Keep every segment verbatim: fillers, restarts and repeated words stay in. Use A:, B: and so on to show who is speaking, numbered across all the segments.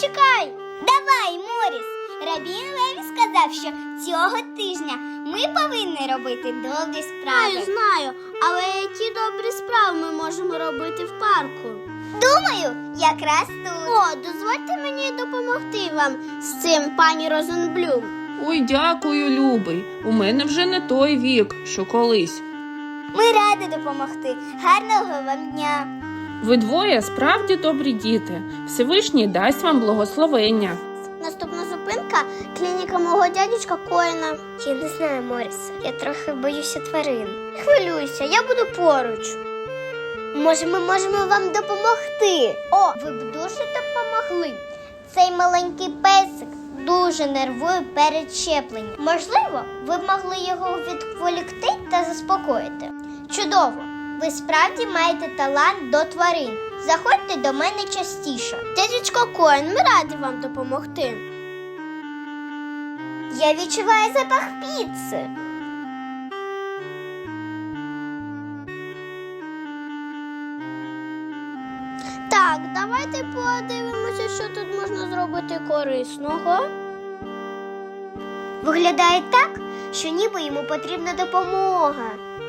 A: чекай! Давай, Моріс! Рабін Леві сказав, що цього тижня ми повинні робити добрі справи.
B: Знаю, знаю, але які добрі справи ми можемо робити в парку?
A: Думаю, якраз тут.
B: О, дозвольте мені допомогти вам з цим, пані Розенблюм.
C: Ой, дякую, любий. У мене вже не той вік, що колись.
A: Ми раді допомогти. Гарного вам дня.
C: Ви двоє справді добрі діти. Всевишній дасть вам благословення.
B: Наступна зупинка – клініка мого дядечка Коїна.
A: Я не знаю, Морісе. Я трохи боюся тварин.
B: Не хвилюйся, я буду поруч.
A: Може, ми можемо вам допомогти?
B: О, ви б дуже допомогли.
A: Цей маленький песик дуже нервує перед щепленням. Можливо, ви б могли його відволікти та заспокоїти. Чудово! Ви справді маєте талант до тварин. Заходьте до мене частіше.
B: Дядечко Коїн, ми раді вам допомогти.
A: Я відчуваю запах піци.
B: Так, давайте подивимося, що тут можна зробити корисного.
A: Виглядає так, що ніби йому потрібна допомога.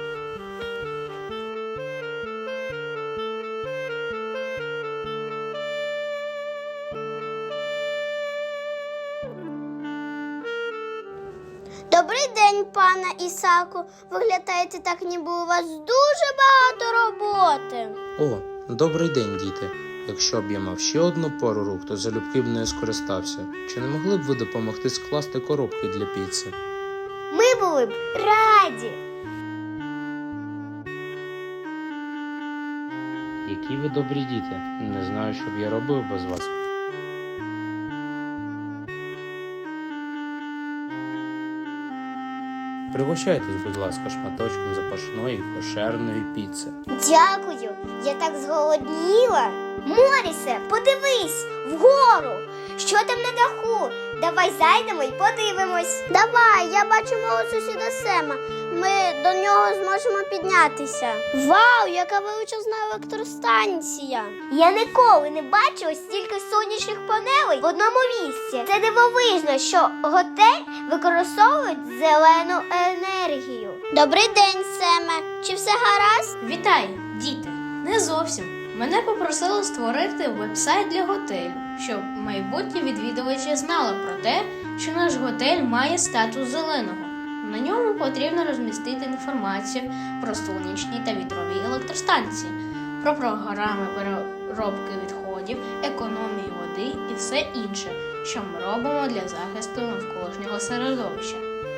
B: Добрий день, пане Ісаку. Виглядаєте так, ніби у вас дуже багато роботи.
D: О, добрий день, діти. Якщо б я мав ще одну пару рук, то залюбки б нею скористався. Чи не могли б ви допомогти скласти коробки для піци?
A: Ми були б раді.
D: Які ви добрі діти. Не знаю, що б я робив без вас. Пригощайтесь, будь ласка, шматочком запашної кошерної піци.
A: Дякую, я так зголодніла. Морісе, подивись вгору. Що там на даху? Давай зайдемо і подивимось.
B: Давай, я бачу мого сусіда Сема. Ми до нього зможемо піднятися. Вау, яка величезна електростанція.
A: Я ніколи не бачила стільки сонячних панелей в одному місці. Це дивовижно, що готель використовує зелену енергію.
B: Добрий день, Семе. Чи все гаразд?
E: Вітаю, діти! Не зовсім. Мене попросили створити веб-сайт для готелю, щоб майбутні відвідувачі знали про те, що наш готель має статус зеленого. На ньому потрібно розмістити інформацію про сонячні та вітрові електростанції, про програми переробки відходів, економії води і все інше, що ми робимо для захисту навколишнього середовища.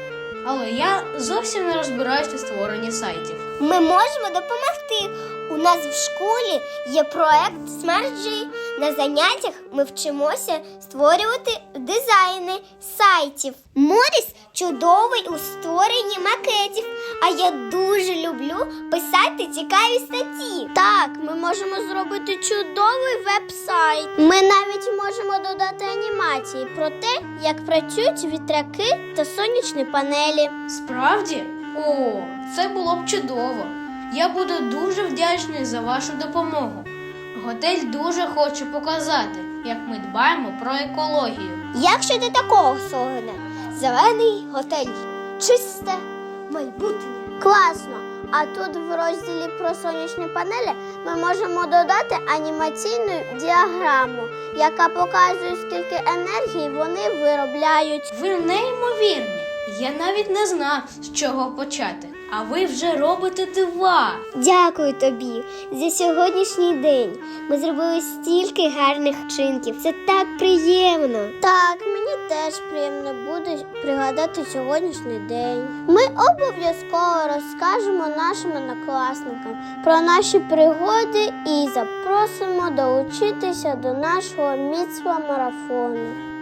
E: Але я зовсім не розбираюся у створенні сайтів.
A: Ми можемо допомогти. У нас в школі є проект SmartG. На заняттях ми вчимося створювати дизайни сайтів. Моріс чудовий у створенні макетів, а я дуже люблю писати цікаві статті.
B: Так, ми можемо зробити чудовий веб-сайт. Ми навіть можемо додати анімації про те, як працюють вітряки та сонячні панелі.
E: Справді? О, це було б чудово. Я буду дуже вдячний за вашу допомогу. Готель дуже хоче показати, як ми дбаємо про екологію.
A: Як щодо такого слогана? Зелений готель. Чисте майбутнє.
B: Класно! А тут в розділі про сонячні панелі ми можемо додати анімаційну діаграму, яка показує, скільки енергії вони виробляють.
E: Ви неймовірні. Я навіть не знав, з чого почати. А ви вже робите дива.
A: Дякую тобі за сьогоднішній день. Ми зробили стільки гарних вчинків. Це так приємно.
B: Так, мені теж приємно буде пригадати сьогоднішній день. Ми обов'язково розкажемо нашим однокласникам про наші пригоди і запросимо долучитися до нашого міцва марафону.